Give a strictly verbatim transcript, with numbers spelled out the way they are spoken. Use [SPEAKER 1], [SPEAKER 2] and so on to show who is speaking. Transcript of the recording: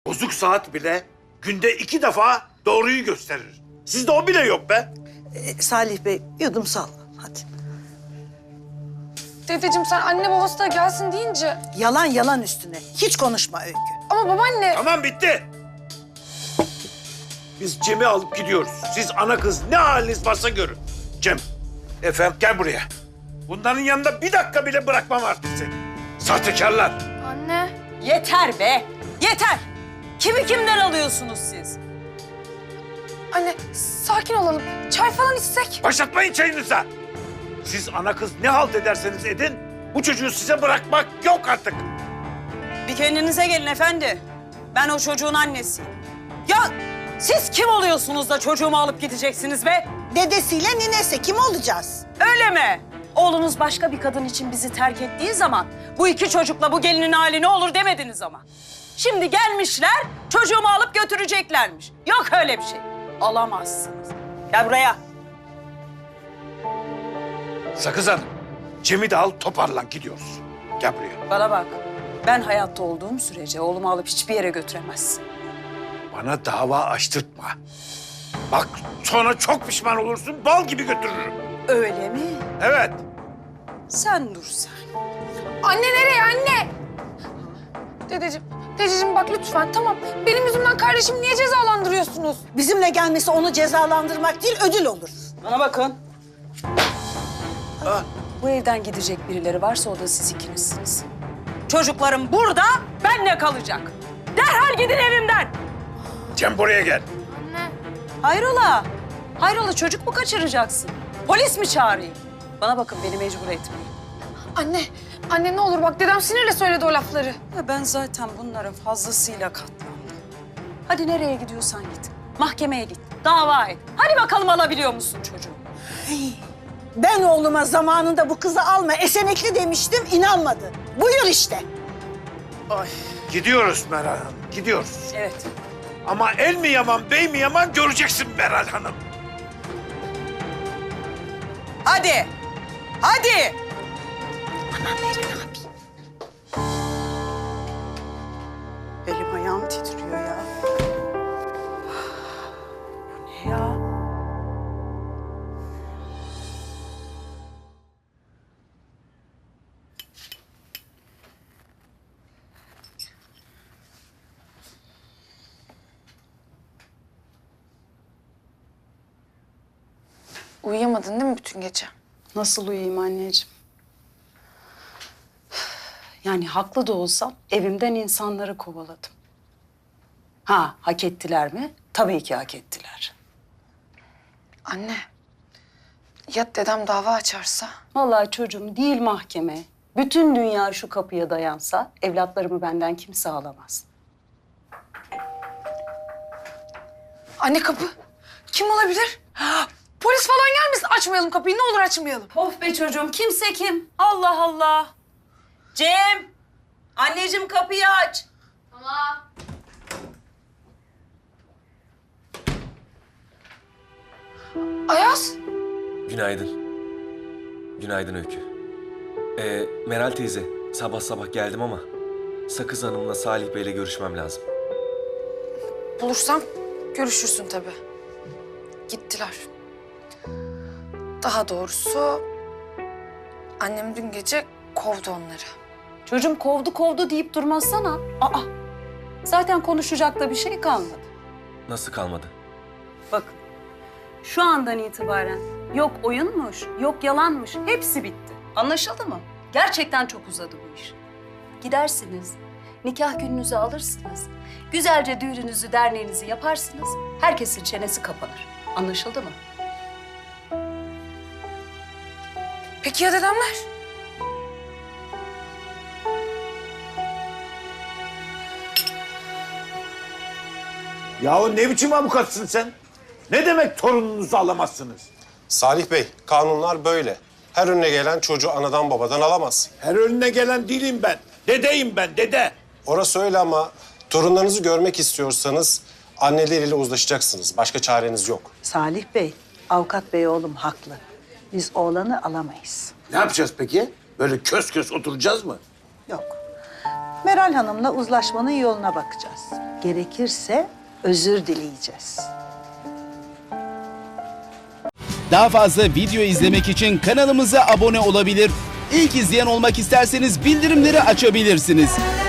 [SPEAKER 1] Bozuk saat bile günde iki defa doğruyu gösterir. Sizde o bile yok be.
[SPEAKER 2] Ee, Salih Bey yudum sal. Hadi.
[SPEAKER 3] Dedeciğim sen anne babası da gelsin deyince...
[SPEAKER 2] Yalan yalan üstüne. Hiç konuşma Öykü.
[SPEAKER 3] Ama babaanne...
[SPEAKER 1] Tamam bitti. Biz Cem'i alıp gidiyoruz. Siz ana kız ne haliniz varsa görün. Cem, efendim gel buraya. Bunların yanında bir dakika bile bırakmam artık seni. Sahtekarlar.
[SPEAKER 3] Anne...
[SPEAKER 4] Yeter be, yeter. Kimi kimden alıyorsunuz siz?
[SPEAKER 3] Anne sakin olalım. Çay falan içsek.
[SPEAKER 1] Başlatmayın çayınıza. Siz ana kız ne halt ederseniz edin, bu çocuğu size bırakmak yok artık.
[SPEAKER 4] Bir kendinize gelin efendi. Ben o çocuğun annesiyim. Ya siz kim oluyorsunuz da çocuğumu alıp gideceksiniz be?
[SPEAKER 2] Dedesiyle ninesi kim olacağız?
[SPEAKER 4] Öyle mi? Oğlunuz başka bir kadın için bizi terk ettiği zaman bu iki çocukla bu gelinin hali ne olur demediniz ama. Şimdi gelmişler çocuğumu alıp götüreceklermiş. Yok öyle bir şey. Alamazsınız. Gel buraya.
[SPEAKER 1] Sakız Hanım, Cem'i de al toparlan gidiyoruz. Gel buraya.
[SPEAKER 4] Bana bak. Ben hayatta olduğum sürece oğlumu alıp hiçbir yere götüremezsin.
[SPEAKER 1] Bana dava açtırtma. Bak sonra çok pişman olursun, bal gibi götürürüm.
[SPEAKER 4] Öyle mi?
[SPEAKER 1] Evet.
[SPEAKER 4] Sen dur sen.
[SPEAKER 3] Anne nereye anne? Dedeciğim, dedeciğim bak lütfen tamam. Benim yüzümden kardeşimi niye cezalandırıyorsunuz?
[SPEAKER 2] Bizimle gelmesi onu cezalandırmak değil ödül olur.
[SPEAKER 4] Bana bakın.
[SPEAKER 1] Ha.
[SPEAKER 4] Bu evden gidecek birileri varsa o da siz ikinizsiniz. Çocuklarım burada, benle kalacak. Derhal gidin evimden.
[SPEAKER 1] Cem buraya gel.
[SPEAKER 3] Anne.
[SPEAKER 4] Hayrola? Hayrola çocuk mu kaçıracaksın? Polis mi çağırayım? Bana bakın beni mecbur etmeyin.
[SPEAKER 3] Anne, anne ne olur bak dedem sinirle söyledi o lafları.
[SPEAKER 4] Ya ben zaten bunlara fazlasıyla katlandım. Hadi nereye gidiyorsan git. Mahkemeye git, dava et. Hadi bakalım alabiliyor musun çocuğu?
[SPEAKER 2] Ben oğluma zamanında bu kızı alma esenekli demiştim inanmadı. Buyur işte.
[SPEAKER 1] Gidiyoruz Meral Hanım, gidiyoruz.
[SPEAKER 4] Evet.
[SPEAKER 1] Ama el mi yaman, bey mi yaman göreceksin Meral Hanım.
[SPEAKER 4] Hadi. Hadi. Elim ayağım titriyor ya. Bu ne ya?
[SPEAKER 3] Uyuyamadın değil mi bütün gece?
[SPEAKER 4] Nasıl uyuyayım anneciğim? Yani haklı da olsam evimden insanları kovaladım. Ha, hak ettiler mi? Tabii ki hak ettiler.
[SPEAKER 3] Anne, ya dedem dava açarsa?
[SPEAKER 4] Vallahi çocuğum değil mahkeme. Bütün dünya şu kapıya dayansa evlatlarımı benden kimse alamaz.
[SPEAKER 3] Anne kapı. Kim olabilir? Polis falan gelmesin. Açmayalım kapıyı. Ne olur açmayalım.
[SPEAKER 4] Of be çocuğum, kimse kim? Allah Allah. Cem, anneciğim kapıyı aç.
[SPEAKER 3] Ayaz.
[SPEAKER 5] Günaydın. Günaydın Öykü. Ee, Meral teyze, sabah sabah geldim ama Sakız Hanım'la Salih Bey'le görüşmem lazım.
[SPEAKER 3] Bulursam görüşürsün tabii. Gittiler. Daha doğrusu annem dün gece kovdu onları.
[SPEAKER 4] Çocuğum kovdu kovdu deyip durmazsana. Aa, zaten konuşacak da bir şey kalmadı.
[SPEAKER 5] Nasıl kalmadı?
[SPEAKER 4] Bak, şu andan itibaren yok oyunmuş, yok yalanmış, hepsi bitti. Anlaşıldı mı? Gerçekten çok uzadı bu iş. Gidersiniz, nikah gününüzü alırsınız, güzelce düğününüzü, derneğinizi yaparsınız, herkesin çenesi kapanır. Anlaşıldı mı?
[SPEAKER 3] Peki ya dedemler?
[SPEAKER 1] Yahu ne biçim avukatsın sen? Ne demek torununuzu alamazsınız?
[SPEAKER 6] Salih Bey, kanunlar böyle. Her önüne gelen çocuğu anadan babadan alamaz.
[SPEAKER 1] Her önüne gelen değilim ben. Dedeyim ben, dede.
[SPEAKER 6] Orası öyle ama torunlarınızı görmek istiyorsanız anneleriyle uzlaşacaksınız. Başka çareniz yok.
[SPEAKER 2] Salih Bey, avukat bey oğlum haklı. Biz oğlanı alamayız.
[SPEAKER 1] Ne yapacağız peki? Böyle kös kös oturacağız mı?
[SPEAKER 2] Yok. Meral Hanım'la uzlaşmanın yoluna bakacağız. Gerekirse özür dileyeceğiz.
[SPEAKER 7] Daha fazla video izlemek için kanalımıza abone olabilir. İlk izleyen olmak isterseniz bildirimleri açabilirsiniz.